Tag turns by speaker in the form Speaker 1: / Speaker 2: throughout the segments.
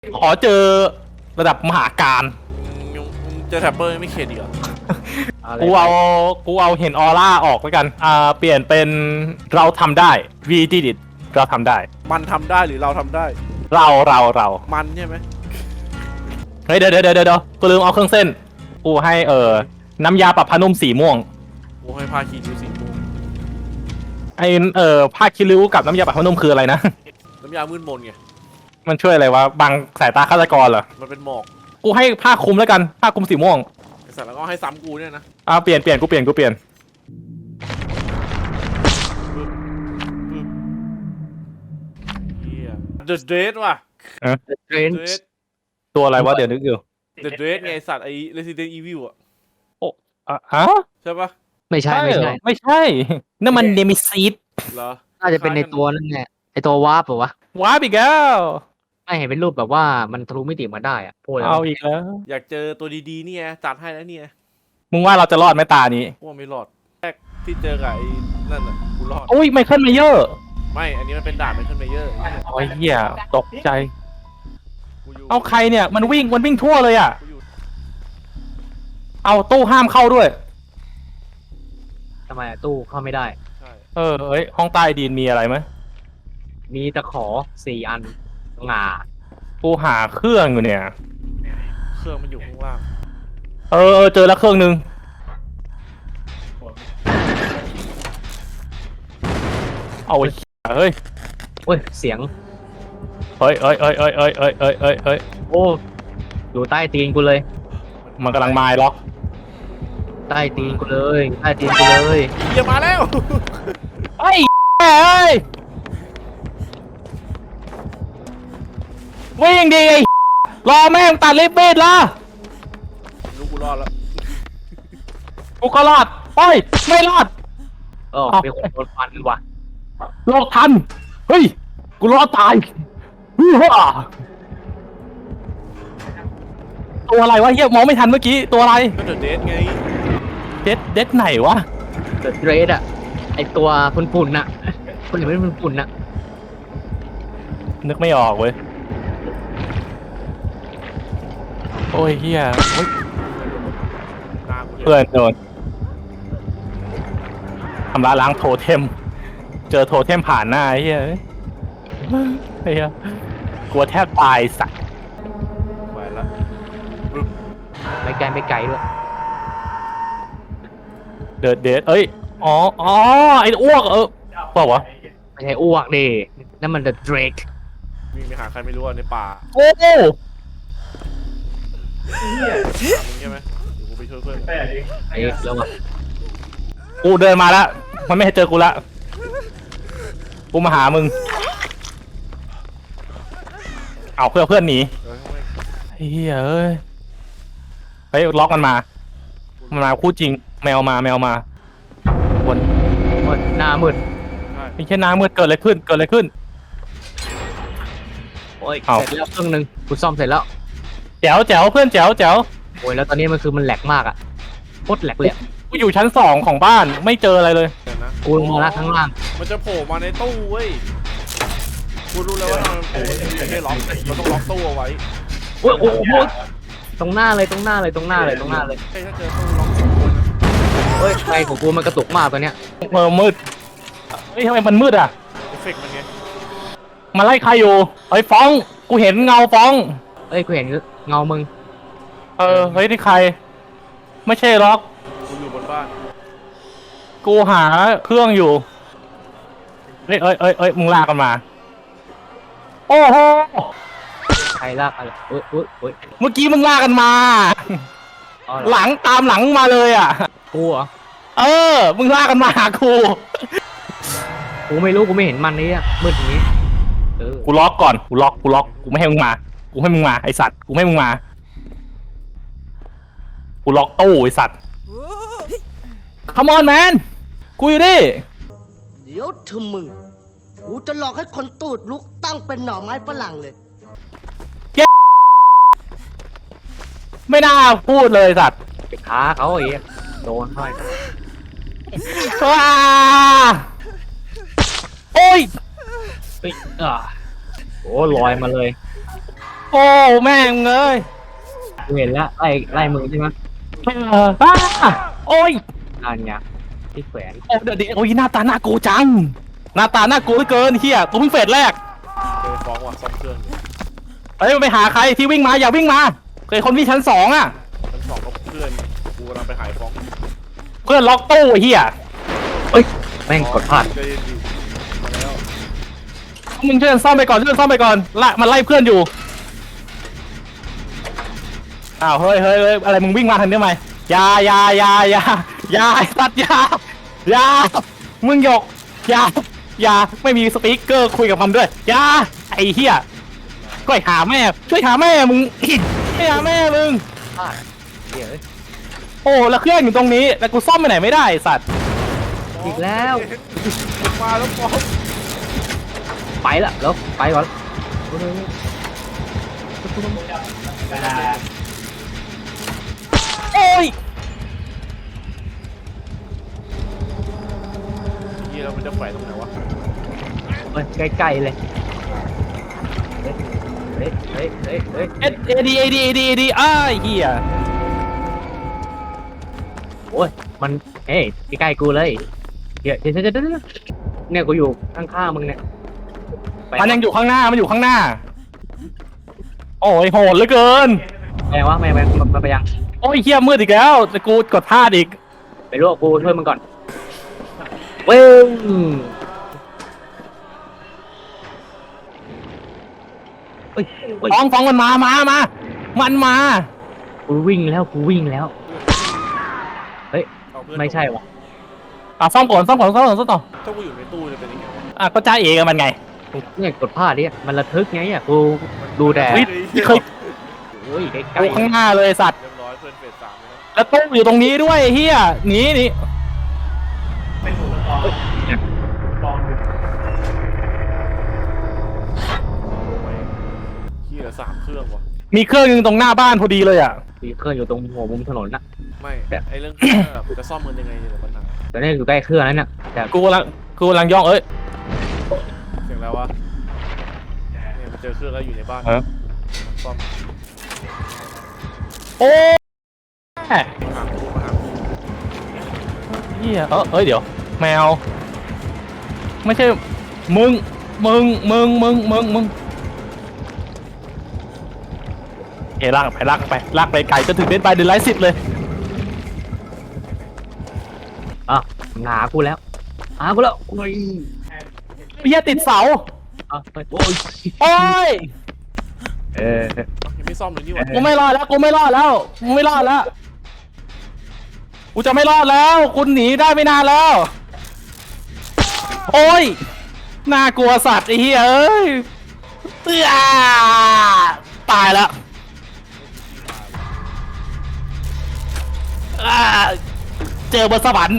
Speaker 1: ขอเจอระดับมหาการ
Speaker 2: ยังเจอแท็บเบอร์ไม่เข็ดอีกเหรอ
Speaker 1: กูเอาเห็นออร่าออกแล้วกันเปลี่ยนเป็นเราทำได้ we did it เราทำได้
Speaker 2: มันทำได้หรือเราทำได้
Speaker 1: เรา
Speaker 2: มันใช่ไหม
Speaker 1: เฮ้ยเดี๋ยวกูลืมเอาเครื่องเส้นกูให้น้ำยาปรับผ้านุ่มสีม่วง
Speaker 2: กูให้พาคีดูสีม่วง
Speaker 1: ไอผ้าคิริ้วกับน้ำยาปรับผ้านุ่มคืออะไรนะ
Speaker 2: น้ำยามืดมนไง
Speaker 1: มันช่วยอะไรวะบังสายตาฆาตกรเหรอ
Speaker 2: มันเป็นหมอก
Speaker 1: กูให้ผ้าคลุมแล้วกันผ้าคลุมสีม่วง
Speaker 2: ไอ้สัตว์แล้วก็ให้ซ้ำกูเนี่ยนะ
Speaker 1: เปลี่ยนกูเปลี่ยน
Speaker 2: ปึ๊บปึ๊บเฮีย The Dread ว่ะ
Speaker 3: The
Speaker 2: Dread
Speaker 3: Trench
Speaker 1: ตัวอะไรวะเดี๋ยวนึกอยู่
Speaker 2: The Dread ไงไอ้สัตว์ไอ้ Resident Evil อ่ะ
Speaker 1: ฮะ
Speaker 2: ใช่ปะ
Speaker 3: ไม่ใช่
Speaker 1: เหรอไม่ใช่นั่นมันเนมิซีด
Speaker 2: เหรอ
Speaker 3: น่าจะเป็นในตัวนั่นแหละไอตัววาร์ปเหรอวะ
Speaker 1: ว้าบอีกแล้ว
Speaker 3: ไม่เห็นเป็นรูปแบบว่ามันทะลุมิติมาได้อะพูดแล้ว
Speaker 1: เอาอีกแล้ว
Speaker 2: อยากเจอตัวดีๆเนี่ยจัดให้แล้วเนี่ย
Speaker 1: มึงว่าเราจะรอดไหมตานี้
Speaker 2: พวกไม่รอดแรกที่เจอกับไอ้นั่นน่ะกูรอด
Speaker 1: อุ้ยไมเคิลเมเยอร์
Speaker 2: ไม่อันนี้มันเป็นด่านไมเคิลเมเยอร์
Speaker 1: โอ้ยเหี้ยตกใจ
Speaker 2: กูอยู่
Speaker 1: เอาใครเนี่ยมันวิ่งทั่วเลยอ่ะ
Speaker 2: กูอยู่
Speaker 1: เอาตู้ห้ามเข้าด้วย
Speaker 3: ทำไมอะตู้เข้าไม่ได้
Speaker 2: ใช่
Speaker 1: เฮ้ยห้องใต้ดินมีอะไรไหม
Speaker 3: มีตะขอ4 อันงา
Speaker 1: กูหาเครื่องอยู่เนี่ย
Speaker 2: เครื่องมันอยู่ข้างล่าง
Speaker 1: เจอแล้วเครื่องนึงเอาไอ้เฮ้ย
Speaker 3: โอ้ยเสียง
Speaker 1: เฮ้ย
Speaker 3: โอ้อยู่ใต้ตีนกูเลย
Speaker 1: มันกำลังมายล็อก
Speaker 3: ใต้ตีนกูเลยใต้ตีนกูเลย
Speaker 2: เหี้ยมาแล้ว
Speaker 1: ไอ้เอ้ยวิ่งดีไอ้รอแม่งตัดลิฟต์บีดละ
Speaker 2: รู้กูรอดแล้ว
Speaker 1: กูก็รอดโอ้ยไม่รอด
Speaker 3: เออเป็นคนโดนฟันว่ะ
Speaker 1: รอดทันเฮ้ยกูรอดตายฮู้ฮ่าตัวอะไรวะเฮียมองไม่ทันเมื่อกี้ตัวอะไร
Speaker 2: ก็เดอะเดทไง
Speaker 1: เด็ดไหนวะ
Speaker 3: เดอะเดรดอะไอตัวฝุ่นๆน่ะคนอื่นเป็นฝุ่นๆน่ะ
Speaker 1: นึกไม่ออกเว้ยโอ้ยเฮียโอ้ย
Speaker 2: หน้ากู
Speaker 1: เพื่อนโดนทำร้ายล้างโทเทม เจอโทเทมผ่านหน้าไอ้เฮียไอ้เฮียกลัวแทบตายสัตว์
Speaker 2: ไปละ
Speaker 3: ไม่ไกลไม่ไกลด้วย
Speaker 1: เดดเอ้ยอ๋อไอ้อ้วกเปล่าวะ
Speaker 3: ไม่ใช่อ้วกดินั่นมัน The Drake
Speaker 2: วิ่งไปหาใครไม่รู้อะในป่า
Speaker 1: โอ้
Speaker 2: มึงใช่ไหมเดี๋ยวกูไปช่วยเพื่อน
Speaker 3: ไอ้แล้วอะ
Speaker 1: กูเดินมาแล้วมันไม่ให้เจอกูละกูมาหามึงเอาเพื่อนหนี
Speaker 2: เออทำไม
Speaker 1: ไอ้เหี้ยเอ้ยเฮ้ยล็อกมันมาคู่จริงแมวมาวน
Speaker 3: โอ้ยหน้ามืด
Speaker 2: ใช่
Speaker 1: มีแค่น้ำมืดเกิดอะไรขึ้น
Speaker 3: โอ้ย
Speaker 1: เอา
Speaker 3: เสร็จแล้วเครื่องนึงกูซ่อมเสร็จแล้ว
Speaker 1: แจ๋วเพื่อนแจ๋ว
Speaker 3: โอ้ยแล้วตอนนี้มันแหลกมากอะโคตรแหลกเลยอะ
Speaker 1: กูอยู่ชั้น2ของบ้านไม่เจออะไรเลย
Speaker 2: เดี๋ยวนะ
Speaker 3: กูลงมาละข้างล่าง
Speaker 2: มันจะโผล่มาในตู้เว้ยกูรู้แล้วว่าทำไมมันโผล่ไม่ใช่ล็อกเราต้องล็อกตู้เอาไว้
Speaker 3: โอ้ยโอ้ยโอ้ยตรงหน้าเลย
Speaker 2: ใช่ถ้าเจอตู้ล็อกตู้นะ
Speaker 3: เฮ้ยไฟของกูมันกระตุกมากตอนเนี้ย
Speaker 1: มืดเฮ้ยทำไมมันมืดอ่ะ
Speaker 2: เอฟเฟกต์มันไง
Speaker 1: มาไล่ใครอยู่เฮ้ยฟ้องกูเห็นเงาฟ้อง
Speaker 3: เอ้ยกูเห็นเงามึง
Speaker 1: เฮ้ยนี่ใคร ไม่ใช่ล็อก
Speaker 2: กูอยู่บนบ้าน
Speaker 1: กูหาเครื่องอยู่เฮ้ยมึงลากกันมา โอ้โห
Speaker 3: ใครลากอะไรโอ้ยโอ้ยโอ้ย
Speaker 1: เมื่อกี้มึงลากกันมา
Speaker 3: อ๋อ
Speaker 1: หลังตามหลังมาเลยอ่ะ
Speaker 3: กูเหรอ
Speaker 1: มึงลากกันมาหากู
Speaker 3: กูไม่รู้กูไม่เห็นมันนี่อะมืดอย่างนี้เออ
Speaker 1: กูล็อกก่อนกูล็อกกูไม่ให้มึงมาไอสัตว์กูไม่ให้มึงมากูล็อกตู้ไอสัตว์ Come on man กูอยู่ดิ
Speaker 4: เดี๋ยวเธอมึง กูจะหลอกให้คนตูดลุกตั้งเป็นหน่อไม้ฝรั่งเลย
Speaker 1: ไม่น่าพูดเลยสัตว์
Speaker 3: ไปท้าเขาไอ้เหี้ยโดนเข้าไป
Speaker 1: ว้าโอ้ย
Speaker 3: เฮ้ยโอ้ลอยมาเลย
Speaker 1: โอ้แม่งเอ้ย
Speaker 3: กูเห็นแล้วไล่มึงใช่ไหม
Speaker 1: อ้าโอ้ย
Speaker 3: อันเนี้ยที่แขวน
Speaker 1: โอ้เดี๋ยวโอ้ยหน้าตาน่ากลัวจังหน้าตาน่ากลัวเหลือเกินเฮียกูเพิ่งเฟสแรก
Speaker 2: เคยฟ้องว่ะซ่อมเครื่องอยู่
Speaker 1: เฮ้ยไปหาใครที่วิ่งมาอย่าวิ่งมาเคยคนที่ชั้น2อ่ะ
Speaker 2: ชั้น 2ก็เพื่อนกูกำลังไปหายฟ้อง
Speaker 1: เพื่อนล็อกตู้ไอ้เฮีย
Speaker 3: เอ้ยแม่งกดพลาด
Speaker 2: ใจเย็นดิมาแล้ว
Speaker 1: มึงช่วยกันซ่อมไปก่อนช่วยกันซ่อมไปก่อนละมันไล่เพื่อนอยู่อ้าวเฮ้ยอะไรมึงวิ่งมาทางนี้ทำไมอยาไอ้สัตว์อยามึงหยกอยาไม่มีสปีกเกอร์คุยกับมันด้วยอยาไอ้เฮียก็หาแม่ช่วยหาแม่มึง ช่วยหาแม่มึง
Speaker 3: พลาดเดี๋ยวเอ้ย
Speaker 1: โอ้แล้วเครื่องอยู่ตรงนี้แต่กูซ่อมไปไหนไม่ได้ไอ้สัตว์
Speaker 3: อีกแล้ว
Speaker 2: มาแล้วฟ้อง
Speaker 3: ไปละแล้วไปก่อน
Speaker 1: โอ้ย
Speaker 2: ยี่เรามันจะแขวนตรงไหนวะ
Speaker 3: เฮ้ยใกล้ๆเลยเฮ้ย
Speaker 1: เอดีอ้ายเฮีย
Speaker 3: โอ้ยมันเฮ้ยใกล้ๆกูเลยเดี๋ยวเนี่ยกูอยู่ข้างๆมึงเนี่ยไป
Speaker 1: มันยังอยู่ข้างหน้ามันอยู่ข้างหน้า โอ้ยโหดเหลือเกิน
Speaker 3: ไปยังวะไม่ไปยัง
Speaker 1: โอ้ยเฮียมืดอีกแล้วแต่กูกดพลาดอีก
Speaker 3: ไปลวกกูช่วยมึงก่อนเว้งเฮ้ย
Speaker 1: ฟ้องมันมามันมา
Speaker 3: กูวิ่งแล้วเฮ้ย
Speaker 2: เอาเพื่อน
Speaker 3: ไม่ใช่วะ
Speaker 1: อ่ะซ่อมก่อนต่อ
Speaker 2: ถ้ากูอยู่ในตู้จะเป็นยังไงวะ
Speaker 1: อ่ะก็จ้าเอกับมันไง
Speaker 3: เนี่ยกดพลาดดิมันระทึกไงอ่ะกูดูแต่
Speaker 1: เฮ้ยเคย
Speaker 3: เฮ้ยใก
Speaker 1: กู
Speaker 3: ล้
Speaker 1: ข้างหน้าเลยสัตว์
Speaker 2: เรียบร้อยเพื่อนเฟส 3แล้ว
Speaker 1: แล้วตู้อยู่ตรงนี้ด้วยเฮียหนี
Speaker 2: ขี้เหลือ3เครื่องวะ
Speaker 1: มีเครื่องนึงตรงหน้าบ้านพอดีเลยอ่ะ
Speaker 3: ๆมีเครื่องอยู่ตรงหัวมุมถนนน่ะ
Speaker 2: ไม่ไอเรื่องเครื่องแบบจะซ่อมมันยังไงเนี่ยปัญหา
Speaker 3: แต่เนี่ยอยู่ใกล้เครื่องนั้นน่ะแต่
Speaker 1: กูกำลังย่องเอ้ย
Speaker 2: เสียงแล้ววะเนี่ยมันเจอเครื่องแล้วอยู่ในบ้าน
Speaker 1: เออ
Speaker 2: ซ่อม
Speaker 1: โอ้ย
Speaker 2: มาหากู
Speaker 1: เฮียเอ้ยเดี๋ยวแมวไม่ใช่มึงเฮ้ยลากไปไก่จนถึงเดนไปเดนไลท์10เลย
Speaker 3: อ่ะหากูแล้วโอ้ย
Speaker 1: เฮียติดเสา
Speaker 3: อ่ะโอ้ย
Speaker 1: โอ้ย
Speaker 2: ยังไม่ซ่อมเลยนี่หว่า
Speaker 1: กูไม่รอดแล้วกูจะไม่รอดแล้วคุณหนีได้ไม่นานแล้ว โอ้ยน่ากลัวสัตว์ไอ้เหี้ยเอ้ยตายแล้วเจอบนสวรรค์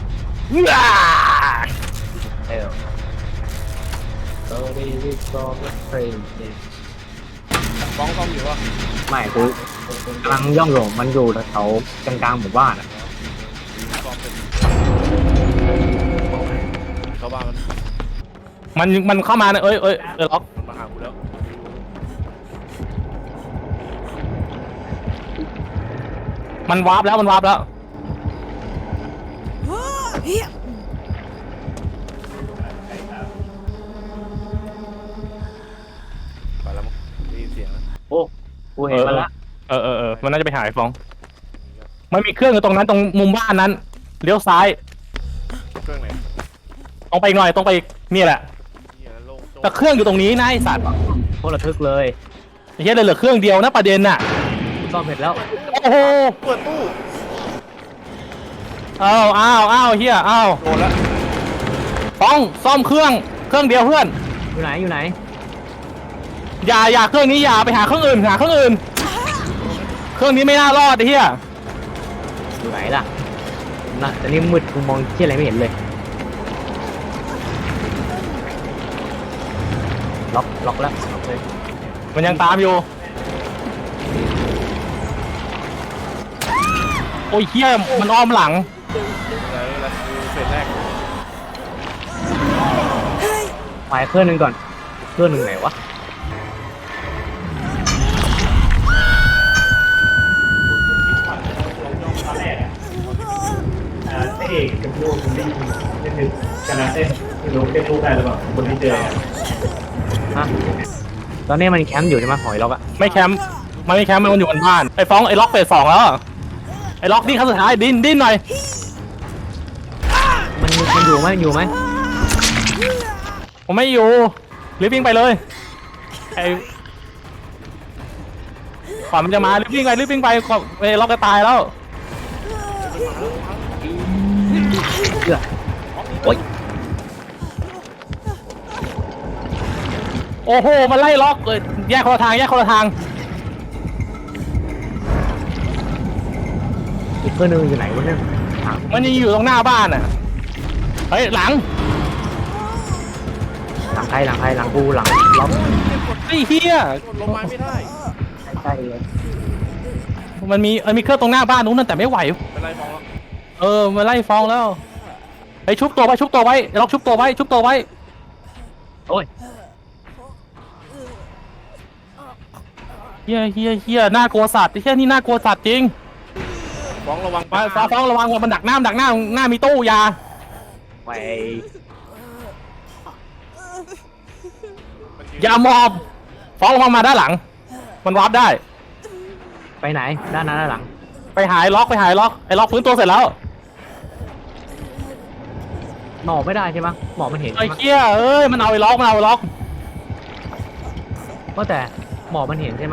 Speaker 3: เออเฮ้ย
Speaker 2: ฟ้องซ่อมอยู่วะ
Speaker 3: ไม่กูกำลังย่องอยู่มันอยู่แถวกลางๆหมู่บ้านอ่ะ
Speaker 2: ซ่อมเป็นเข้าบ้านมัน
Speaker 1: มันเข้ามานะเอ้ยล็อก
Speaker 2: มันมาหากูแล้ว
Speaker 1: มันวาร์ปแล้ว
Speaker 2: ไปแล้วมั้งได้ยินเสียงแล้ว
Speaker 3: โอ้กูเห็นมันละ
Speaker 1: มันน่าจะไปหาไอ้ฟองมันมีเครื่องอยู่ตรงนั้นตรงมุมบ้านนั้นเลี้ยวซ้าย
Speaker 2: เครื่องไหน
Speaker 1: ตรงไปอีกหน่อยตรงไปอีกนี่แหละ
Speaker 2: เหี้ยโล่งโจ้ง
Speaker 1: แต่เครื่องอยู่ตรงนี้นะไอ้สัตว์
Speaker 3: โคตรระทึกเลย
Speaker 1: ไอ้เหี้ยเหลือเครื่องเดียวนะประเด็นน่ะ
Speaker 3: ซ่อมเสร็จแล้ว
Speaker 1: โอ้โห
Speaker 2: เปิดตู้
Speaker 1: อ้าวเฮียอ้าว
Speaker 2: โดนแล้ว
Speaker 1: ต้องซ่อมเครื่องเดียวเพื่อน
Speaker 3: อยู่ไหน
Speaker 1: อย่าเครื่องนี้อย่าไปหาเครื่องอื่นเครื่องนี้ไม่น่ารอดไอ้เฮีย
Speaker 3: อยู่ไหนล่ะน่ะแต่นี่มืดกูมองที่อะไรไม่เห็นเลยล็อกแล้วล็อกเลย
Speaker 1: มันยังตามอยู่โอ้ยเฮียมันอ้อมหลัง
Speaker 2: อะไรกูเฟสแรก
Speaker 3: ไปเครื่องหนึงก่อนเครื่องหนึงไหนวะ
Speaker 5: ชนะเต้นไม่รู้เต้นลูกได้หรือเปล่าคนที่เจอ
Speaker 3: ฮะตอนนี้มันแคมป์อยู่ใช่ไหมหอยล็อกอะ
Speaker 1: ไม่แคมป์มันไม่แคมป์มันอยู่บนบ้านไอ้ฟ้องไอ้ล็อกเฟส 2แล้วไอ้ล็อกดิ้นครั้งสุดท้ายดิ้นหน่อย
Speaker 3: มันอยู่ไหมอยู่ไหม
Speaker 1: ผมไม่อยู่รีบวิ่งไปเลยไอ้ก่อนมันจะมารีบวิ่งไปก่อนไอ้ล็อกจะตายแล้ว
Speaker 3: เกือโอ้ย
Speaker 1: โอ้โหมันไล่ล็อกเลยแยกคนละทาง
Speaker 3: อีกเพื่อนนึงอยู่ไหนวะเนี่ยถาม
Speaker 1: มันยังอยู่ตรงหน้าบ้านอ่ะเฮ้ยหลัง
Speaker 3: หลังใครหลังกูหลังล็อก
Speaker 1: ไอ้เหี้ย
Speaker 2: กดลงไม้ไม่ได้
Speaker 3: ใช่เลย
Speaker 1: มันมีเครื่องตรงหน้าบ้านนู้นนั่นแต่ไม่ไหว
Speaker 2: เป็นไรมองแล้ว
Speaker 1: มันไล่ฟ้องแล้วไอ้ชุบตัวไว้ล็อกชุบตัวไว้
Speaker 3: โอ้ย
Speaker 1: เฮียน่ากลัวสัตว์ไอ้เฮียนี่น่ากลัวสัตว์จริง
Speaker 2: ฟ้องระวัง
Speaker 1: ฟ้องระวังมันดักหน้ามีตู้ยา
Speaker 3: ไป
Speaker 1: อย่ามอบฟ้องระวังมาด้านหลังมันวาร์ปได้
Speaker 3: ไปไหนด้านหน้าด้านหลัง
Speaker 1: ไปหายล็อกไอ้ล็อกฟื้นตัวเสร็จแล้ว
Speaker 3: หมอกไม่ได้ใช่ไหมหมอกมันเห็น
Speaker 1: ไอ้
Speaker 3: ใช่ไหม
Speaker 1: เฮียมันเอาไอ้ล็อก
Speaker 3: ว่าแต่หมอกมันเห็นใช่ไหม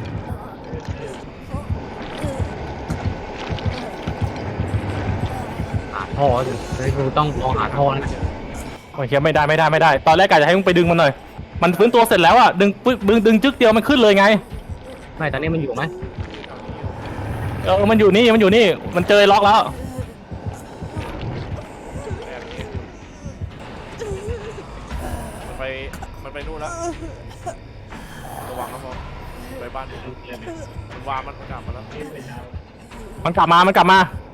Speaker 3: หาท่อสิเฮ้ยกูต้องลองหาท่อนะ
Speaker 1: โอ้ยเฮียไม่ได้ตอนแรกกะจะให้มึงไปดึงมันหน่อยมันฟื้นตัวเสร็จแล้วอ่ะดึงจึ๊กเดียวมันขึ้นเลยไง
Speaker 3: ไม่ตอนนี้มันอยู่ไหม
Speaker 1: มันอยู่นี่มันเจอไอ้ล็อกแล้ว
Speaker 2: มันไปนู่นแล้วระวังนะฟ้องไปบ้านมันวางมันกลับมาแล้ว
Speaker 1: มันกลับมา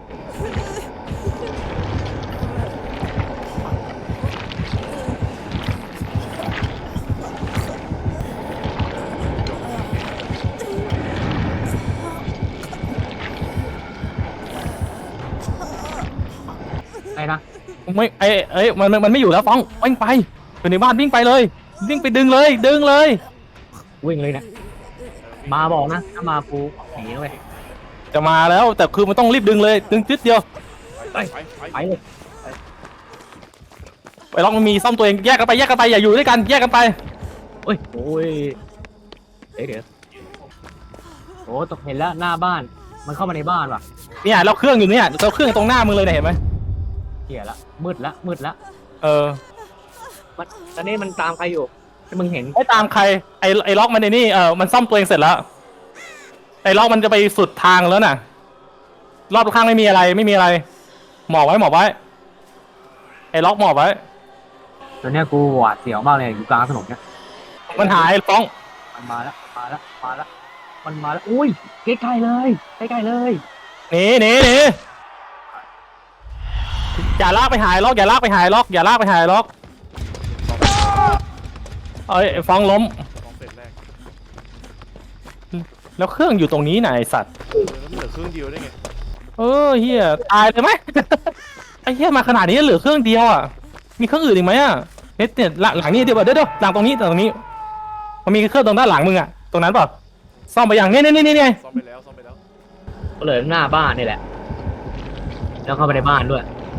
Speaker 3: ไอ้นะ
Speaker 1: ไม่มันไม่อยู่แล้วฟ้องวิ่งไปอยู่ในบ้านวิ่งไปเลยวิ่งไปดึงเลย
Speaker 3: วิ่งเลยนะมาบอกนะถ้ามากูหนีเลย
Speaker 1: จะมาแล้วแต่คือมันต้องรีบดึงเลยดึงจิ๊ดเดียว
Speaker 3: ไปเลย
Speaker 1: ไอ้ล็อกมันมีซ่อมตัวเองแยกกันไปอย่าอยู่ด้วยกันแยกกันไป
Speaker 3: โอ้ยเดี๋ยวโอ้ตกเห็นแล้วหน้าบ้านมันเข้ามาในบ้านว่ะ
Speaker 1: เนี่ยเราเครื่องอยู่เนี่ยเราเครื่องตรงหน้ามึงเลยเนี่ยเห็นไหม
Speaker 3: เหี้ยละมืดละมันตอนนี้มันตามใครอยู่ที่มึงเห็น
Speaker 1: ไม่ตามใครไอ้ล็อกมันในนี่มันซ่อมตัวเองเสร็จแล้วไอ้ล็อกมันจะไปสุดทางแล้วน่ะรอบข้างไม่มีอะไรหมอบไว้ไอ้ล็อกหมอบไว้
Speaker 3: ตอนนี้กูหวาดเสียวมากเลยอยู่กลางถนนเนี่ย
Speaker 1: มันหายฟ้อง
Speaker 3: มันมาแล้วมันมาแล้วอุ้ยใกล้ๆเลย
Speaker 1: หนีอย่าลากไปหายล็อกเอ้ยฟ้องล้ม
Speaker 2: ฟ้องเสร็จแรก
Speaker 1: แล้วเครื่องอยู่ตรงนี้ไหนะไอ้สัตว์
Speaker 2: แล้วมันเหลือเครื่องเดียวได้ไง
Speaker 1: เฮียตายเลยไหม ไอ้เฮียมาขนาดนี้เหลือเครื่องเดียวอ่ะมีเครื่องอื่นอีกไหมอ่ะเนี่ยหลังนี้เดี๋ยวหลังตรงนี้มันมีเครื่องตรงด้านหลังมึงอ่ะตรงนั้นเปล่าซ่อมไปอย่างนี่
Speaker 2: ซ่อมไปแล้ว
Speaker 3: ก็เลยหน้าบ้านนี่แหละ แล้วเข้าไปในบ้านด้วย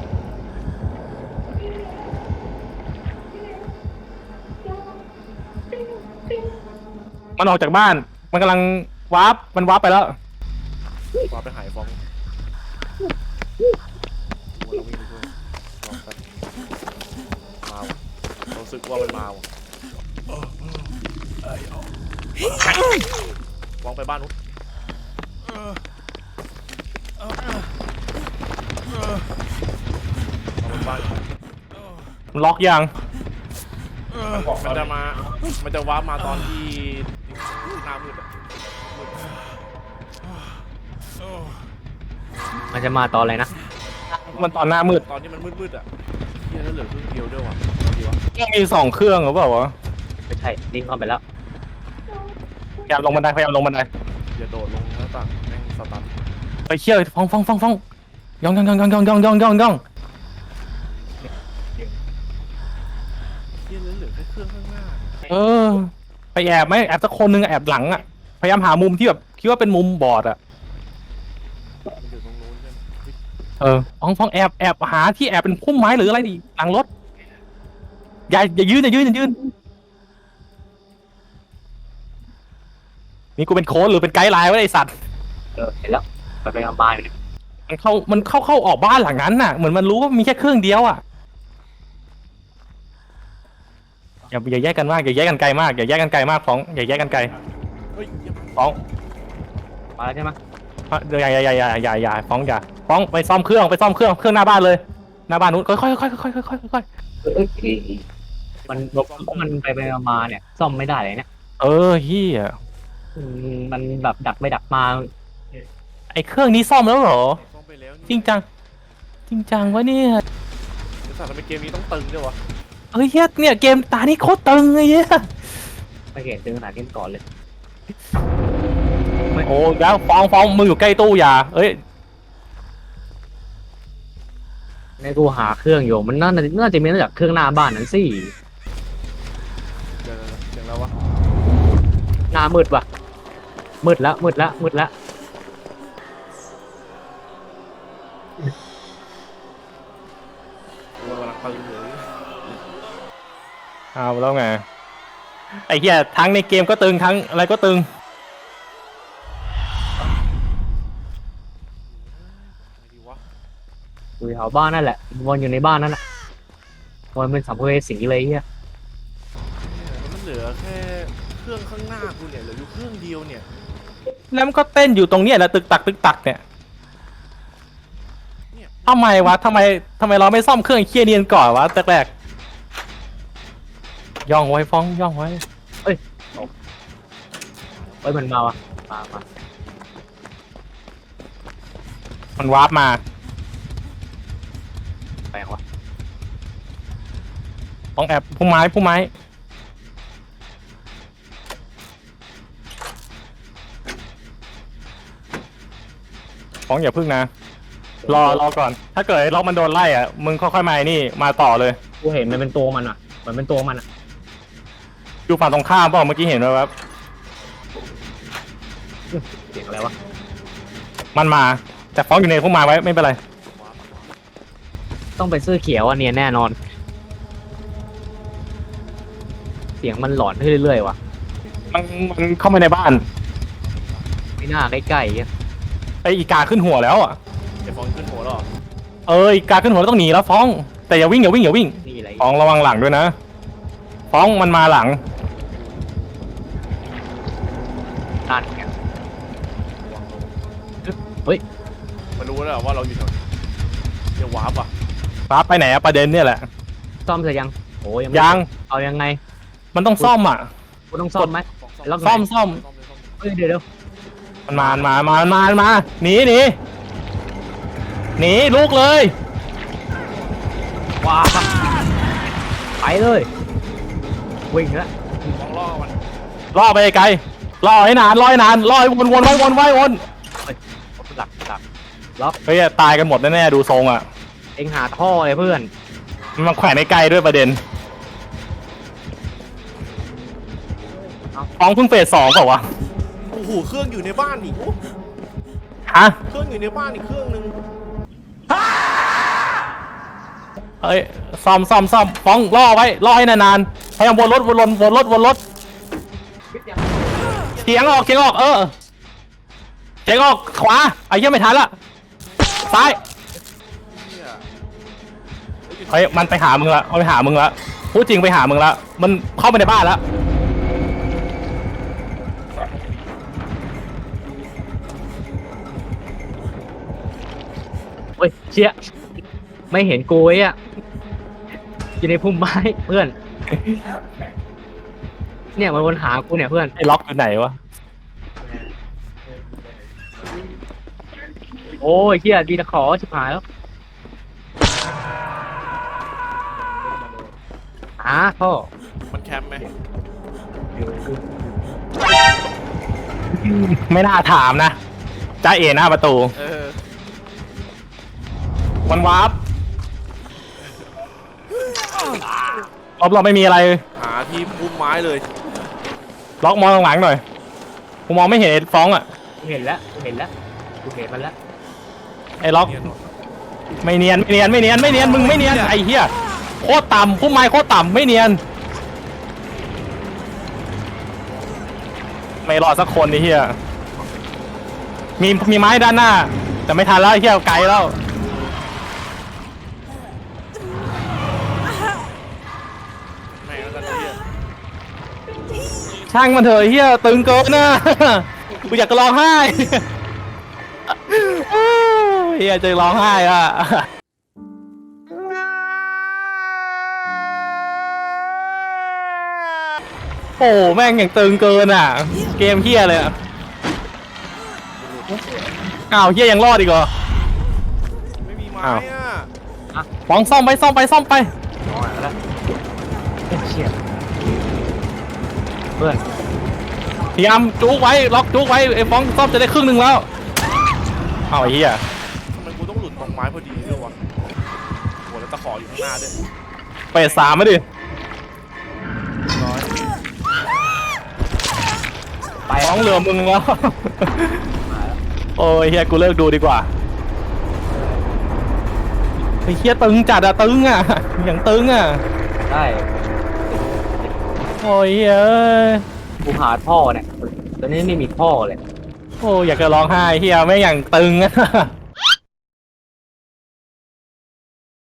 Speaker 1: มันออกจากบ้านมันกำลังวาร์ปไปแล้ว
Speaker 2: ฟ้องไปหายฟ้องเราวิ่งไปด้วยลองกันมาว่ะรู้สึกว่ามันมาว่ะฟ้องไปบ้านนู้นเอาไปบ้าน
Speaker 1: มันล็อกยัง
Speaker 2: มันจะวาร์ปมาตอนที่หน้ามืดอะ
Speaker 3: มันจะมาตอนอะไรนะ
Speaker 1: มันตอนหน้ามืด
Speaker 2: ตอนที่มันมืดๆอ่ะเฮียแล้วเหลือเครื่องเดียวด้วยว่ะดีวะ
Speaker 1: ต้องมี2เครื่องหรือเปล่าวะ
Speaker 3: ไม่ใช่ลิงก์เข้าไปแล้ว
Speaker 1: พยายามลงบันได
Speaker 2: อย่าโดดลงหน้าต่างแม่งสตัน
Speaker 1: ไปเชี่ยวฟ้องย่องเออ ไปแอบไหมแอบสักคนนึงอะแอบหลังอ่ะพยายามหามุมที่แบบคิดว่าเป็นมุมบอดอ่ะ
Speaker 2: มันอยู่ตรงนู้นใช่ไหมเฮ้ย
Speaker 1: ฟ้องแอบหาที่แอบเป็นพุ่มไม้หรืออะไรดิหลังรถอย่ายืนนี่กูเป็นโค้ชหรือเป็นไกด์ไลน์วะไอสัตว์
Speaker 3: เห็นแล้วไปมาอยู่เนี่ย
Speaker 1: มันเข้าออกบ้านหลังนั้นน่ะเหมือนมันรู้ว่ามีแค่เครื่องเดียวอ่ะอย่าแยกกันมากอย่าแยกกันไกลมากอย่าแยกกันไกลมากฟ้องอย่าแยกกันไกล
Speaker 2: เฮ้ยเหี้ย
Speaker 1: ฟ้อง
Speaker 3: มาแล้วใช่ไหม
Speaker 1: อย่าฟ้องไปซ่อมเครื่องหน้าบ้านเลยหน้าบ้านนู้นค่อย
Speaker 3: มันไปมาเนี่ยซ่อมไม่ได้เลยเนี่ย
Speaker 1: เฮีย
Speaker 3: มันแบบดักไปดักมา
Speaker 1: ไอเครื่องนี้ซ่อมแล้วเหรอ
Speaker 2: ซ่อมไปแล้วนี่
Speaker 1: จริงจังวะเนี่ย
Speaker 2: ไอ้สัตว์ทำไมเกมนี้ต้องตึงด้วยวะ
Speaker 1: เฮ้ยเนี่ยเกมตานี่โคตรตึงเลยเนี่ย
Speaker 3: ไม่เห็นถึงขนาดนี้ก่อนเลย
Speaker 1: โอ้แล้วฟ้องมืออยู่ใกล้ตู้อย่า
Speaker 3: ในกูหาเครื่องอยู่มันน่าจะมีมาจากเครื่องหน้าบ้านนั้นสิ
Speaker 2: เดี๋ยวเสียงแล้ววะ
Speaker 3: หน้ามืดว่ะมืดแล้ว
Speaker 2: กูกำลังตึงเลย
Speaker 1: เอาแล้วไงไอ้เหี้ยทั้งในเกมก็ตึงทั้งอะไรก็ตึง
Speaker 2: ไงดีวะ
Speaker 3: อยู่แถวบ้านนั่นแหละวนอยู่ในบ้านนั่นแหละวนเป็นสัมภเวสีเลยเฮีย
Speaker 2: เนี่ยมันเหลือแค่เครื่องข้างหน้ากูเนี่ยเหลืออยู่เครื่องเดียวเนี่ย
Speaker 1: แล้วมันก็เต้นอยู่ตรงเนี้ยแหละตึกตักเนี่ยทำไมวะทำไมเราไม่ซ่อมเครื่องเคลียร์เนียนก่อนวะแรกย่องไว้ฟ้องย่องไว้
Speaker 3: เฮ้ยมันมามา
Speaker 1: มันวาร์ปมา
Speaker 3: ไปยังวะ
Speaker 1: ฟ้องแอบพุ่มไม้ฟ้องอย่าพึ่งนะรอก่อนถ้าเกิดล็อกมันโดนไล่อ่ะมึงค่อยๆมานี่มาต่อเลย
Speaker 3: กูเห็นมันเป็นตัวมันอ่ะเหมือนเป็นตัวมันอ่ะ
Speaker 1: อยู่ฝั่งตรงข้ามเปล่าเมื่อกี้เห็นไหมครับ
Speaker 3: เสียงอะไรวะ
Speaker 1: มันมาแต่ฟ้องอยู่ในพุ่มไม้ไว้ไม่เป็นไร
Speaker 3: ต้องเป็นเสื้อเขียวอ่ะเนียนแน่นอน เสียงมันหลอนขึ้นเรื่อยๆว่ะ
Speaker 1: มันเข้ามาในบ้าน
Speaker 3: ไม่น่าใกล้ๆอ่ะ
Speaker 1: ไอ้อีกาขึ้นหัวแล้วอ่ะ
Speaker 2: ไอ้ฟองขึ้นหัวแล้วเหรอ
Speaker 1: อีกาขึ้นหัวแล้วต้องหนีแล้วฟ้อง แต่อย่าวิ่ง
Speaker 3: นี่อะไร
Speaker 1: ฟ้องระวังหลังด้วยนะฟ้องมันมาหลัง
Speaker 3: นั่นไง
Speaker 2: มันรู้แล้วเหรอว่าเราอยู่แถวนี้เดี๋ยววาร์ปอ่ะ
Speaker 1: ฟ้าไปไหนอะประเด็นเนี่ยแหละ
Speaker 3: ซ่อมเสร็จยังโอ้ยัง
Speaker 1: ยัง
Speaker 3: เอายังไง
Speaker 1: มันต้องซ่อมอ่ะ
Speaker 3: กูต้องซ่อมไหม
Speaker 2: ฟอง
Speaker 3: แล้ว
Speaker 1: ซ่อม
Speaker 3: เฮ้ยเดี๋ยว
Speaker 1: มันมาหนีลูกเลย
Speaker 3: ว้าไปเลยวิ่งแล้ว
Speaker 2: ฟองล่อมัน
Speaker 1: ล่อไปไกลล่อให้นานล่อให้วนไว้
Speaker 3: หลัก
Speaker 1: เฮ้ยตายกันหมดแน่ๆดูทรงอ่ะ
Speaker 3: เอ็งหาท่อเลยเพื่อน
Speaker 1: มันมาแขวนไกลด้วยประเด็นฟ้องเพิ่งเฟส 2เปล่าวะ
Speaker 2: โอ้โหเครื่องอยู่ในบ้านอีกโอ้
Speaker 1: ฮะ
Speaker 2: เครื่องอยู่ในบ้านอีกเครื่องนึง
Speaker 1: ซ่อมฟ้องล่อไว้ล่อให้นานๆพยายามวนรถเฉียงออกเฉียงออกขวาไอ้เหี้ยไม่ทันละซ้าย
Speaker 2: เนี่ย
Speaker 1: เฮ้ยมันไปหามึงละพูดจริงไปหามึงละมันเข้าไปในบ้านแล้ว
Speaker 3: เฮ้ยเชี่ยไม่เห็นกูไอ้อะอยู่ในพุ่มไม้เพื่อน เนี่ยมันวนหากูเนี่ยเพื่อน
Speaker 1: ไอ้ล็อกอยู่ไหนวะ
Speaker 3: โอ้ยเชี่ยดีตะขอชิบหายแล้วท่อ
Speaker 2: มันแคมป์ไหม
Speaker 1: ไม่น่าถามนะจ้าเอ๋หน้าประตู
Speaker 2: เออ
Speaker 1: วันวาร์ปรอบเราไม่มีอะไร
Speaker 2: หาที่พุ่มไม้เลย
Speaker 1: ล็อกมองหลังๆหน่อยกูมองไม่เห็นไอ้ฟ้องอ่ะ
Speaker 3: กูเห็นแล้วกูเห็นแล้วกูเห็นมันแล้ว
Speaker 1: ไอ้ล็อก
Speaker 2: เนียนหรอ
Speaker 1: ไม่เนียนมึงไม่เนียนไอ้เหี้ยโคตรต่ำพุ่มไม้โคตรต่ำไม่เนียนไม่รอดสักคนไอ้เหี้ยมีไม้ด้านหน้าแต่ไม่ทันแล้วไอ้เหี้ยไกลแล้ว
Speaker 2: แม่งแล้วกันเนี่ย
Speaker 1: ช่างมันเถอะไอ้เหี้ยตึงเกินนะ กูอยากจะร้องไห้ เหี้ยจะร้องไห้อ่ะ โอ้แม่งอย่างตึงเกินอ่ะ เกมเหี้ยเลยอ่ะอ้าวเหี้ยยังรอดอีกเหรอ
Speaker 2: ไม่มีไม้
Speaker 1: อ้าว
Speaker 2: อ่ะ
Speaker 1: ฟ้องซ่อมไป
Speaker 3: นอนแล้วเอ้ยเชี่ยเพื่อน
Speaker 1: พยายามจุกไว้ล็อกจุกไว้ไอ้ฟ้องซ่อมจะได้ครึ่งหนึ่งแล้วเอาไอ้เหี้ย
Speaker 2: ทำไมกูต้องหลุดตรงไม้พอดีด้วยวะโหแล้วตะขออยู่ข้างหน้าด้วย
Speaker 1: เปดสามมาดิ
Speaker 2: ร้อย
Speaker 3: ไป
Speaker 1: ฟ้องเหลือมึงแล้ว โอ้ยเฮียกูเลิกดูดีกว่าไอ้เฮียตึงจัดอะตึงอะอย่างตึงอะ
Speaker 3: ได้
Speaker 1: โอ้ยเฮีย
Speaker 3: กูหาท่อเนี่ยตอนนี้ไม่มีท่อเลย
Speaker 1: โอ้ยอยากจะร้องไห้เฮียไม่อย่างตึงอะ